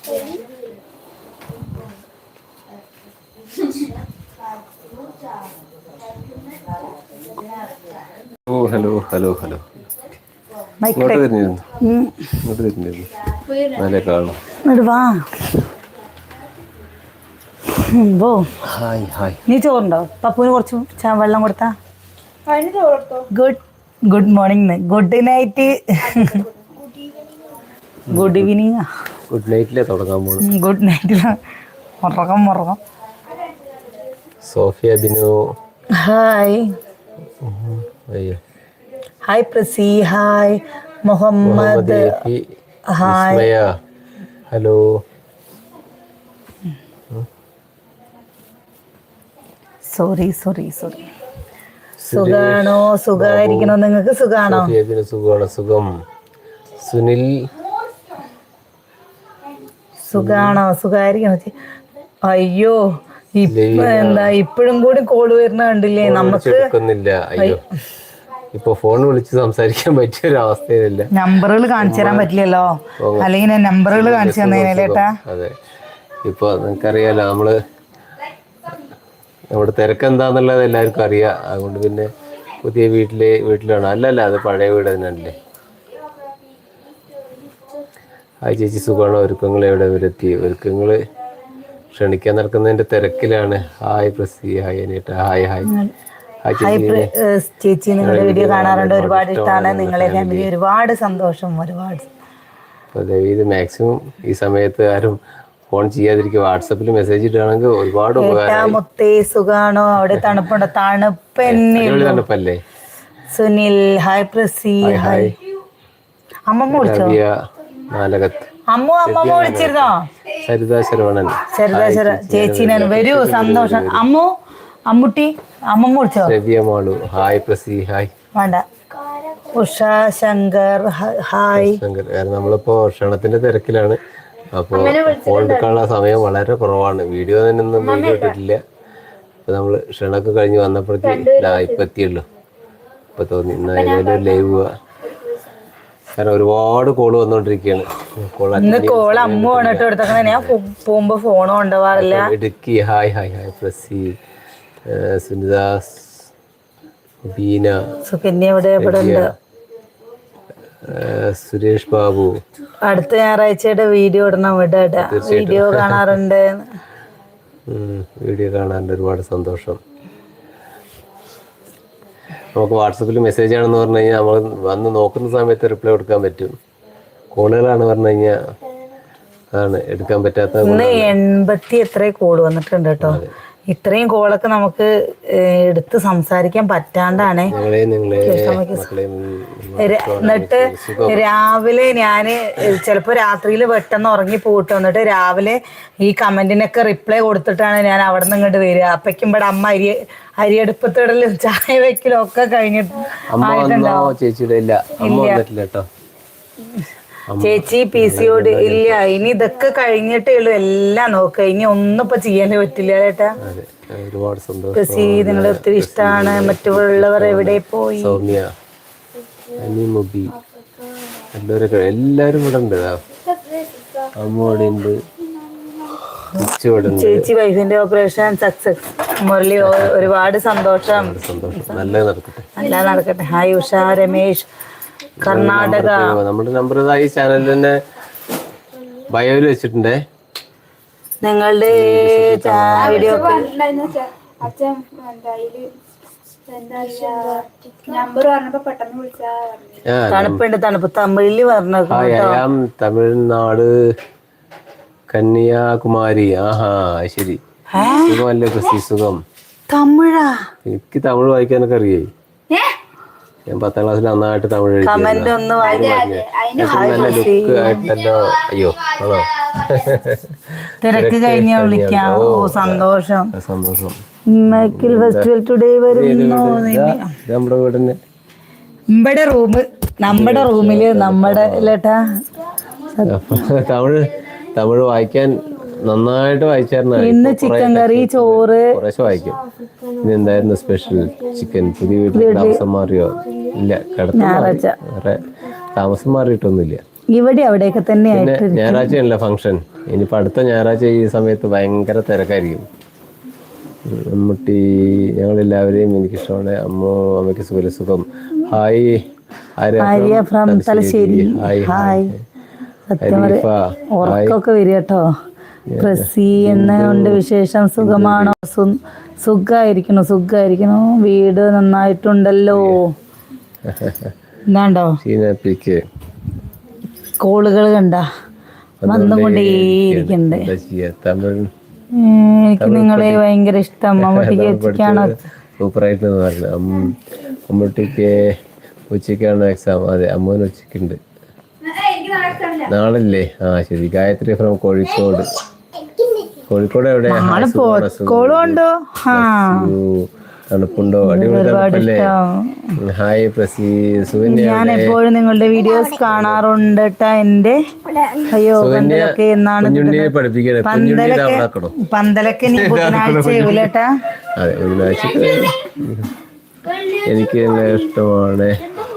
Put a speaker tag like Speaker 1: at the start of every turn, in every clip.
Speaker 1: ഓ hello hello hello. ഇങ്ങോട്ട് വരുന്നിരുന്നു, ഇങ്ങോട്ട് വരുന്നിരുന്നു. നല്ല കാണും. Hi hi.
Speaker 2: നീ ചോറുണ്ടോ? പപ്പുവിന് കുറച്ച് വെള്ളം കൊടുത്താ. Good morning, good night, good evening.
Speaker 1: Good നൈറ്റിലെ തുടങ്ങാൻ പോകും.
Speaker 2: ഗുഡ് നൈറ്റില് മുറകം.
Speaker 1: Sophia Binu
Speaker 2: hi.
Speaker 1: അയ്യോ.
Speaker 2: Hi Prasi. Hi Muhammad. Hi.
Speaker 1: Hello.
Speaker 2: Sorry. സുഖാണോ? സുഖായിരിക്കണോ? നിങ്ങൾക്ക് സുഖാണോ?
Speaker 1: സുഖമാണ്, സുഖം. സുനിൽ
Speaker 2: സുഖാണോ? സുഖായിരിക്കണോ? അയ്യോ എന്താ ഇപ്പോഴും കൂടി കോള് വരുന്ന കണ്ടില്ലേ? നമുക്ക്
Speaker 1: അയ്യോ, ഇപ്പൊ ഫോൺ വിളിച്ച് സംസാരിക്കാൻ പറ്റിയ ഒരു അവസ്ഥയിലില്ല.
Speaker 2: നമ്പറുകൾ കാണിച്ചു തരാൻ പറ്റില്ലല്ലോ, അല്ലെങ്കിൽ നമ്പറുകൾ കാണിച്ചു തന്നേട്ടാ.
Speaker 1: അതെ, ഇപ്പൊ നിങ്ങൾക്കറിയാലോ നമ്മുടെ തിരക്ക് എന്താന്നുള്ളത് എല്ലാവർക്കും അറിയാം. അതുകൊണ്ട് പിന്നെ പുതിയ വീട്ടിലാണ്. അല്ലല്ല, അത് പഴയ വീട് തന്നെയല്ലേ. ഹായ് ചേച്ചി, സുഖമാണോ? ഒരുക്കങ്ങൾ എവിടെ വരെത്തി? ഒരുക്കങ്ങൾ ക്ഷണിക്കാൻ നടക്കുന്നതിന്റെ തിരക്കിലാണ്. Hi Prasi. Hi അനീട്ട. Hi hi
Speaker 2: ചേച്ചി, നിങ്ങളുടെ വീഡിയോ കാണാറുണ്ട്, ഒരുപാട് ഇഷ്ടമാണ്. നിങ്ങളെ ഫാമിലി ഒരുപാട് സന്തോഷം. ഒരുപാട്
Speaker 1: ഇത് മാക്സിമം ഈ സമയത്ത് ആരും ഫോൺ ചെയ്യാതിരിക്കും. വാട്സപ്പിൽ മെസ്സേജ് ഇടുകയാണെങ്കിൽ ഒരുപാട്
Speaker 2: മുത്തേ സുഖാണോ? അവിടെ തണുപ്പുണ്ടോ? തണുപ്പല്ലേ. സുനിൽ ഹായ്. പ്രസി ഹായ്. അമ്മമ്മ വിളിച്ചോ? അമ്മമ്മ വിളിച്ചിരുന്നോ?
Speaker 1: സരിത ശരവണൻ.
Speaker 2: ചേച്ചീനെ വരൂ, സന്തോഷം. അമ്മുട്ടി അമ്മമ്മ വിളിച്ചോ?
Speaker 1: ഹായ് പ്രസി. ഹായ്.
Speaker 2: വേണ്ട. ഉഷ ശങ്കർ ഹായ്.
Speaker 1: നമ്മളിപ്പോ ക്ഷണത്തിന്റെ തിരക്കിലാണ്. അപ്പൊ ഫോൺ എടുക്കാനുള്ള സമയം വളരെ കുറവാണ്. വീഡിയോ തന്നെ ഒന്നും വീഡിയോ ഇട്ടിട്ടില്ല. അപ്പൊ നമ്മള് ക്ഷണമൊക്കെ കഴിഞ്ഞ് വന്നപ്പോഴേക്ക് ഇപ്പൊ എത്തിയുള്ളൂ. ഇപ്പൊ തോന്നി ഇന്ന് ലൈവ് പോവാ. കാരണം ഒരുപാട് കോള് വന്നോണ്ടിരിക്കുകയാണ്.
Speaker 2: ഞാൻ പോകുമ്പോ ഫോൺ കൊണ്ടുപോകാറില്ല.
Speaker 1: Idukki hi hi hi. Prasi, Sunidas, Beena,
Speaker 2: Sukanya ഇവിടെ ഉണ്ട്.
Speaker 1: സുരേഷ് ബാബു.
Speaker 2: അടുത്ത ഞായറാഴ്ചയുടെ വീഡിയോ ഇടണം. വീഡിയോ കാണാറുണ്ട്.
Speaker 1: ഒരുപാട് സന്തോഷം. നമുക്ക് വാട്സപ്പിൽ മെസ്സേജ് ആണെന്ന് പറഞ്ഞു കഴിഞ്ഞാൽ നമ്മൾ വന്ന് നോക്കുന്ന സമയത്ത് റിപ്ലൈ കൊടുക്കാൻ പറ്റും. കോളുകളാണ് പറഞ്ഞു കഴിഞ്ഞാൽ അതാണ് എടുക്കാൻ പറ്റാത്ത.
Speaker 2: 80 എത്ര കോള് വന്നിട്ടുണ്ട് കേട്ടോ. ഇത്രയും കോളൊക്കെ നമുക്ക് എടുത്ത് സംസാരിക്കാൻ പറ്റാണ്ടാണ്. എന്നിട്ട് രാവിലെ ഞാന് ചിലപ്പോ രാത്രിയിൽ പെട്ടെന്ന് ഉറങ്ങി പോയിട്ട് വന്നിട്ട് രാവിലെ ഈ കമന്റിനൊക്കെ റിപ്ലൈ കൊടുത്തിട്ടാണ് ഞാൻ അവിടെ നിന്ന് ഇങ്ങോട്ട് വരിക. അപ്പയ്ക്കും ഇവിടെ അമ്മ അരിയടുപ്പത്തിടലും ചായ വെക്കലും ഒക്കെ കഴിഞ്ഞിട്ട് ചേച്ചി PCOD ഇല്ല. ഇനി ഇതൊക്കെ കഴിഞ്ഞിട്ടേ ഉള്ളൂ എല്ലാം നോക്കുക. ഇനി ഒന്നും ഇപ്പൊ ചെയ്യാനേ പറ്റില്ല ചേട്ടാ. പ്രസി നിങ്ങളെ ഒത്തിരി ഇഷ്ടമാണ്. മറ്റുള്ളവർ എവിടെ പോയി?
Speaker 1: എല്ലാരും ഇവിടെ ഉണ്ട്. അമ്മോടുണ്ട്.
Speaker 2: ചേച്ചി വൈഫിന്റെ ഓപ്പറേഷൻ സക്സസ്. മുരളി ഒരുപാട് സന്തോഷം.
Speaker 1: നല്ല നടക്കട്ടെ.
Speaker 2: ഹായ് ഉഷ രമേശ് കർണാടക.
Speaker 1: നമ്മുടെ നമ്പർ ഈ ചാനലിൽ തന്നെ ബയോയിൽ വെച്ചിട്ടുണ്ടേ.
Speaker 2: നിങ്ങളുടെ വീഡിയോ തണുപ്പ് തമിഴില് പറഞ്ഞു.
Speaker 1: തമിഴ്നാട് കന്യാകുമാരി. ആഹാ ശരി. സുഖമല്ലേ പ്രസി? സുഖം.
Speaker 2: തമിഴാ?
Speaker 1: എനിക്ക് തമിഴ് വായിക്കാനൊക്കെ അറിയേ. ഞാൻ 10ാം ക്ലാസ്സിൽ നന്നായിട്ട് തമിഴ് എഴുതി. നല്ല ലുക്ക് ആയിട്ടല്ലോ. അയ്യോ ആണോ?
Speaker 2: തിരക്ക് കഴിഞ്ഞ വിളിക്കാം. ഓ സന്തോഷം. ഫെസ്റ്റിവൽ ടുഡേ വരുന്നു.
Speaker 1: നമ്മുടെ വീടിന്
Speaker 2: നമ്മുടെ റൂമില് നമ്മുടെ
Speaker 1: തമിഴ് വായിക്കാൻ നന്നായിട്ട് വായിച്ചായിരുന്നു.
Speaker 2: ഇന്ന് ചിക്കൻ കറി, ചോറ്
Speaker 1: കുറേശ്ശെ വായിക്കും. ഇന്ന് എന്തായിരുന്നു സ്പെഷ്യൽ? ചിക്കൻ. പുതിയ വീട്ടിൽ താമസം മാറിയോ? ഇല്ല, വേറെ താമസം മാറിയിട്ടൊന്നുമില്ല.
Speaker 2: ഇവിടെ അവിടെയൊക്കെ തന്നെ.
Speaker 1: ഞായറാഴ്ചയാണല്ലോ ഫംഗ്ഷൻ. ഇനിയിപ്പോൾ അടുത്ത ഞായറാഴ്ച ഈ സമയത്ത് ഭയങ്കര തിരക്കായിരിക്കും. മമ്മൂട്ടി ഞങ്ങളെല്ലാവരെയും എനിക്കിഷ്ടമാണ്. അമ്മയ്ക്ക് സുഖം. Hi
Speaker 2: Arya from Thalassery. Hi. ഉറക്കൊക്കെ വരിക കേട്ടോ. പ്രസി എന്നുണ്ട് വിശേഷം. സുഖമാണോ? സുഖായിരിക്കണു. വീട് നന്നായിട്ടുണ്ടല്ലോ. എന്താണ്ടോ കോളുകൾ കണ്ട വന്നുകൊണ്ടേയിരിക്കണ്ട്. എനിക്ക് നിങ്ങളെ ഭയങ്കര ഇഷ്ടം. മമ്മൂട്ടിക്ക് ഉച്ചയ്ക്കാണോ?
Speaker 1: സൂപ്പറായിട്ട് പറഞ്ഞു. മമ്മൂട്ടിക്ക് ഉച്ചയ്ക്കാണ് എക്സാം. അതെ, അമ്മൂന് ഉച്ചയ്ക്കുണ്ട്. നാളല്ലേ? ആ ശരി. ഗായത്രി ഫ്രം കോഴിക്കോട്. കോഴിക്കോട് എവിടെ? തണുപ്പുണ്ടോ? അടിപൊളി തണുപ്പല്ലേ? ഹായ് പ്രസി.
Speaker 2: ഞാൻ എപ്പോഴും നിങ്ങളുടെ വീഡിയോസ് കാണാറുണ്ട് ട്ടാ. എന്റെ പന്തലൊക്കെ എന്നാണ് പന്തലൊക്കെ നീ ബുധനാഴ്ച ആവൂലേട്ടാ?
Speaker 1: അതെ, ബുധനാഴ്ച. എനിക്ക് ഇഷ്ടമാണ്.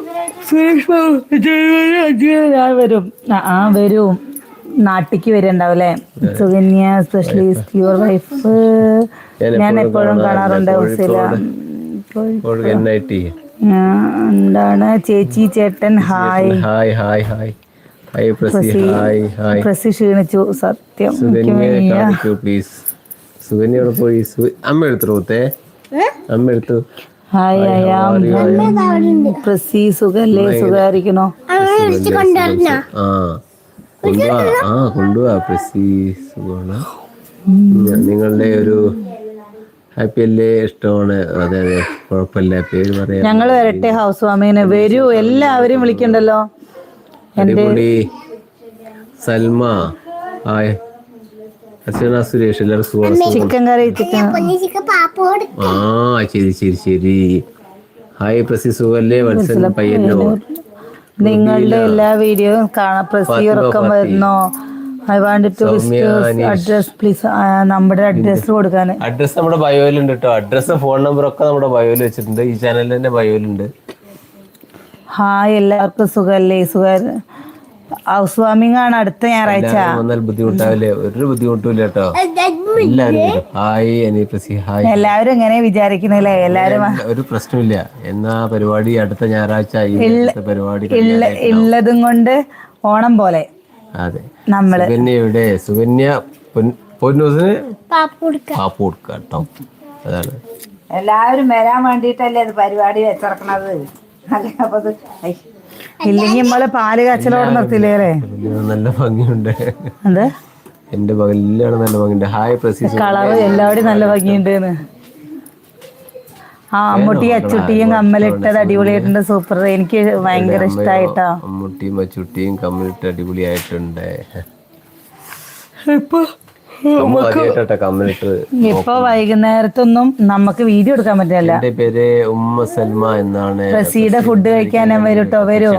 Speaker 2: വരും. നാട്ടിക്ക് വരുന്നുണ്ടാവല്ലേ? Sukanya specialist your wife. ഞാൻ എപ്പോഴും കാണാറുണ്ട്. എന്താണ് ചേച്ചി ചേട്ടൻ? ഹായ്. പ്രസി ക്ഷീണിച്ചു സത്യം.
Speaker 1: സുകന്യോട് പോയി. അമ്മ എടുത്തു.
Speaker 2: ഹായ് പ്രസി. സുഖല്ലേ? സുഖായിരിക്കണോ?
Speaker 1: കൊണ്ടുപോവാ പ്രസി. സുഖമാണ്. നിങ്ങളുടെ ഒരു ഹാപ്പി അല്ലേ? ഇഷ്ടമാണ്. അതെ, കുഴപ്പമില്ല. പേര് പറയാം.
Speaker 2: ഞങ്ങൾ വരട്ടെ ഹൗസ് വാമിങ്ങിന്. വരൂ. എല്ലാവരും വിളിക്കണ്ടല്ലോ.
Speaker 1: അടിപൊളി. സൽമ ഹായ്. അർച്ചന സുരേഷ്. എല്ലാവരും സുഖമാണ്.
Speaker 2: Chicken curry.
Speaker 1: ശരി. ഹായ് പ്രസി. സുഖല്ലേ? വത്സൻ പയ്യന്നൂർ.
Speaker 2: നിങ്ങളുടെ എല്ലാ വീഡിയോയും കാണാം. പ്രസി ഉറക്കം വരുന്നോ? I want to address please. നമ്മുടെ അഡ്രസ് കൊടുക്കാൻ.
Speaker 1: അഡ്രസ് നമ്മുടെ ബയോയിലുണ്ട് കേട്ടോ. അഡ്രസ് ഫോൺ നമ്പർ ഒക്കെ നമ്മുടെ ബയോയിൽ വെച്ചിട്ടുണ്ട്. ഈ ചാനലിൽ തന്നെ ബയോയിലുണ്ട്.
Speaker 2: ഹായ്, എല്ലാവർക്കും സുഖല്ലേ? ഹൗസ് വാമിംഗ് ആണ് അടുത്ത ഞായറാഴ്ച.
Speaker 1: ബുദ്ധിമുട്ടാവില്ലേ? ഒരു ബുദ്ധിമുട്ടില്ല കേട്ടോ. എല്ലാവരും ഹായ്. ഹായ്.
Speaker 2: എല്ലാവരും എങ്ങനെ വിചാരിക്കുന്നില്ലേ? എല്ലാരും
Speaker 1: ഒരു പ്രശ്നമില്ല. എന്നാ പരിപാടി അടുത്ത ഞായറാഴ്ച പരിപാടി
Speaker 2: ഉള്ളതും കൊണ്ട് ഓണം പോലെ.
Speaker 1: അതെ.
Speaker 2: നമ്മള്
Speaker 1: സുകന്യയുടെ പൊന്നൂസിന് പാപ്പ് കൊടുക്കുക കേട്ടോ. അതാണ്
Speaker 2: എല്ലാവരും വരാൻ വേണ്ടിട്ടല്ലേ അത് പരിപാടി വെച്ചിറക്കണത്. ഇല്ലെങ്കിൽ നമ്മള് പാല് കാച്ചലോടെ നിർത്തില്ലേ?
Speaker 1: നല്ല ഭംഗിയുണ്ട്.
Speaker 2: എന്ത്
Speaker 1: എന്റെ പകലാണ് നല്ല ഭംഗിയുണ്ട്. ഹായ് പ്രസി.
Speaker 2: കളറ് എല്ലാവരും നല്ല ഭംഗിയുണ്ട്. അമ്മൂട്ടി അച്ചുട്ടിയും കമ്മലിട്ടത് അടിപൊളിയായിട്ടുണ്ട്. സൂപ്പർ. എനിക്ക് ഭയങ്കര ഇഷ്ടായിട്ടോ.
Speaker 1: അമ്മൂട്ടിയും അച്ചുട്ടിയും കമ്മലിട്ട് അടിപൊളിയായിട്ടുണ്ട്.
Speaker 2: ഇപ്പൊ വൈകുന്നേരത്തൊന്നും നമുക്ക് വീഡിയോ എടുക്കാൻ പറ്റില്ല.
Speaker 1: എന്റെ പേര് ഉമ്മ സൽമ എന്നാണ്.
Speaker 2: പ്രസിയുടെ ഫുഡ് കഴിക്കാൻ വരും കേട്ടോ. വരും.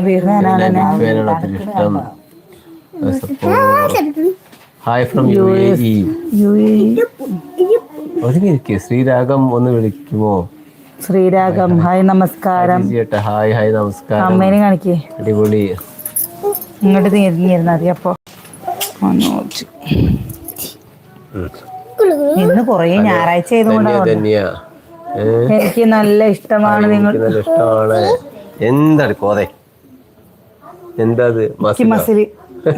Speaker 1: ഹായ് ഫ്രം ശ്രീരാഗം ഒന്ന് വിളിക്കുമോ?
Speaker 2: ശ്രീരാഗം ഹായ് നമസ്കാരം.
Speaker 1: ഹായ് നമസ്കാരം.
Speaker 2: അമ്മേനെ കാണിക്കേ.
Speaker 1: അടിപൊളി.
Speaker 2: ഇങ്ങോട്ട് തിരിഞ്ഞിരുന്ന മതി. അപ്പൊ ഇന്ന് കൊറേ ഞായറാഴ്ച എനിക്ക് നല്ല ഇഷ്ടമാണ്.
Speaker 1: നല്ല ഇഷ്ടമാണ്. എന്താണ് കോതെ? എന്താ മസില്?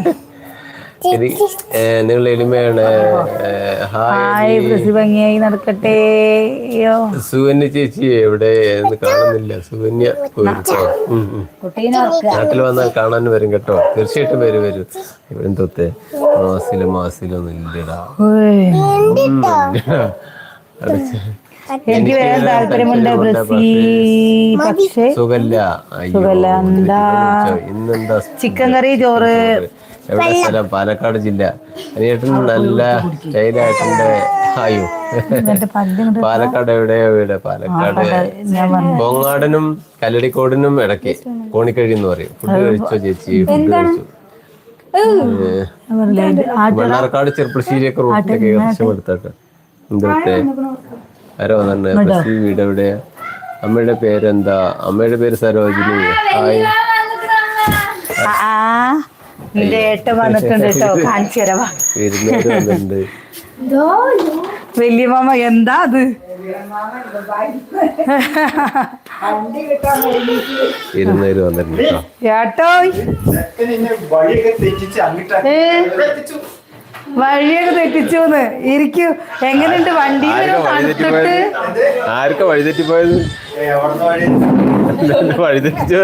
Speaker 1: നിങ്ങൾ എളിമയാണ്.
Speaker 2: ഹായ് പ്രസി. ഭംഗിയായി നടക്കട്ടെ.
Speaker 1: സുകന്യ ചേച്ചി എവിടെ? കാണുന്നില്ല. സുകന്യ നാട്ടിൽ വന്നാൽ കാണാൻ വരും കേട്ടോ. തീർച്ചയായിട്ടും വരും. ഇവിടെ തൊത്തെ മാസിലൊന്നും ഇല്ലടാ.
Speaker 2: എനിക്ക് വരാൻ താല്പര്യമുണ്ട് പ്രസി. പക്ഷേ സുഖല്ല.
Speaker 1: ഇന്നെന്താ?
Speaker 2: ചിക്കൻ കറി, ചോറ്.
Speaker 1: എവിടെ സ്ഥലം? പാലക്കാട് ജില്ല. അനിയേട്ടൻ നല്ല സ്റ്റൈലായിട്ടുണ്ട്. ഹായോ. പാലക്കാട് എവിടെയോ വീട്? പാലക്കാട് പൊങ്ങാടനും കല്ലടിക്കോടിനും ഇടയ്ക്ക് കോണിക്കഴി എന്ന് പറയും. ഫുഡ് കഴിച്ചോ ചേച്ചി? ഫുഡ് കഴിച്ചു. മണ്ണാർക്കാട് ചെറുപ്പശ്ശേരിയൊക്കെ റൂട്ടിലൊക്കെ രക്ഷപ്പെടുത്തട്ടെ. എന്തോട്ടെ ആരോ വന്നെ? പ്രസി വീട് എവിടെയാ? അമ്മയുടെ പേരെന്താ? അമ്മയുടെ പേര് സരോജിനി. ഹായ്.
Speaker 2: എന്റെ ഏട്ടൻ വന്നിട്ടുണ്ട് കേട്ടോ, കാണിച്ചു തരവാ.
Speaker 1: വിരുന്നുകാര് വന്നിട്ടുണ്ട്.
Speaker 2: വലിയ മാമ എന്താ അത്?
Speaker 1: വിരുന്നുകാര് വന്നിട്ടുണ്ട് കേട്ടോ.
Speaker 2: ഏട്ടോ വഴിയൊക്കെ തെറ്റിച്ചൂന്ന് ഇരിക്കൂ. എങ്ങനെയുണ്ട് വണ്ടി?
Speaker 1: ആർക്കാ വഴി തെറ്റിപ്പോയത്? വഴി തെറ്റിച്ചോ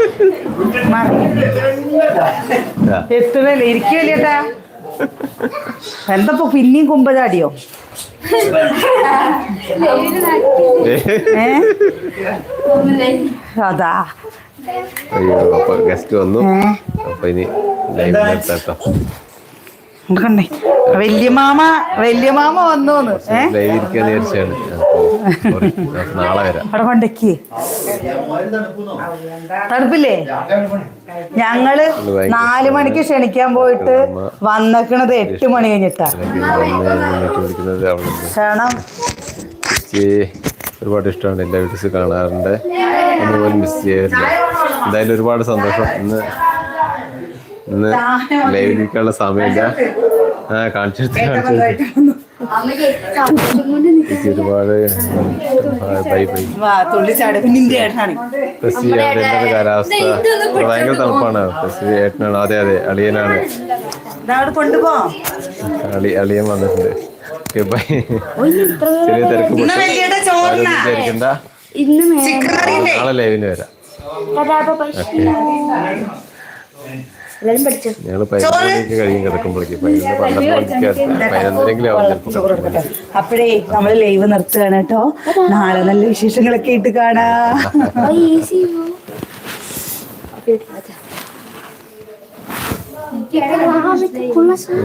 Speaker 2: എത്തുന്നല്ലേ? ഇരിക്കുമല്ലേ ചേട്ടാ? എന്തപ്പോ പിന്നെയും കുമ്പചാടിയോ? അതാ
Speaker 1: അയ്യോ, അപ്പൊ ഗസ്റ്റ് വന്നു. അപ്പൊ ഇനി ലൈവ് നിർത്താട്ടോ.
Speaker 2: കണ്ടേ വല്യ മാമ വന്നോന്ന്.
Speaker 1: ലൈവ് ഇരിക്കാന്ന് വിചാരിച്ചാണ്. നാളെ വരാം.
Speaker 2: അവിടെ കൊണ്ടേക്ക് തണുപ്പില്ലേ? ഞങ്ങള് 4 മണിക്ക് ക്ഷണിക്കാൻ പോയിട്ട് വന്നേക്കണത് 8 മണി കഴിഞ്ഞിട്ടാ. ക്ഷണം
Speaker 1: ഒരുപാട് ഇഷ്ടമാണ്. എല്ലാ വീഡിയോസ് കാണാറുണ്ട്. ഒന്നുപോലും മിസ് ചെയ്യാറില്ല. എന്തായാലും ഒരുപാട് സന്തോഷം. ഇന്ന് ലൈവിലേക്കുള്ള സമയമില്ല. കാണിച്ചെടുത്ത് ഒരുപാട് ബൈ ബൈ. കാലാവസ്ഥ ഭയങ്കര തണുപ്പാണ്. ഏട്ടനാണ്. അതെ അതെ, അളിയനാണ്. അളിയൻ വന്നിട്ടുണ്ട്. Okay bye. ചെറിയ തിരക്ക് വിചാരിക്കണ്ട. നാളെ ലൈവിന് വരാം. ഞങ്ങള് 11 കഴിയും കിടക്കുമ്പോഴേക്ക്. 11 ആവും.
Speaker 2: അപ്പോഴേ നമ്മള് ലൈവ് നിർത്തുകയാണ് കേട്ടോ. നാളെ നല്ല വിശേഷങ്ങളൊക്കെ ഇട്ട് കാണാം.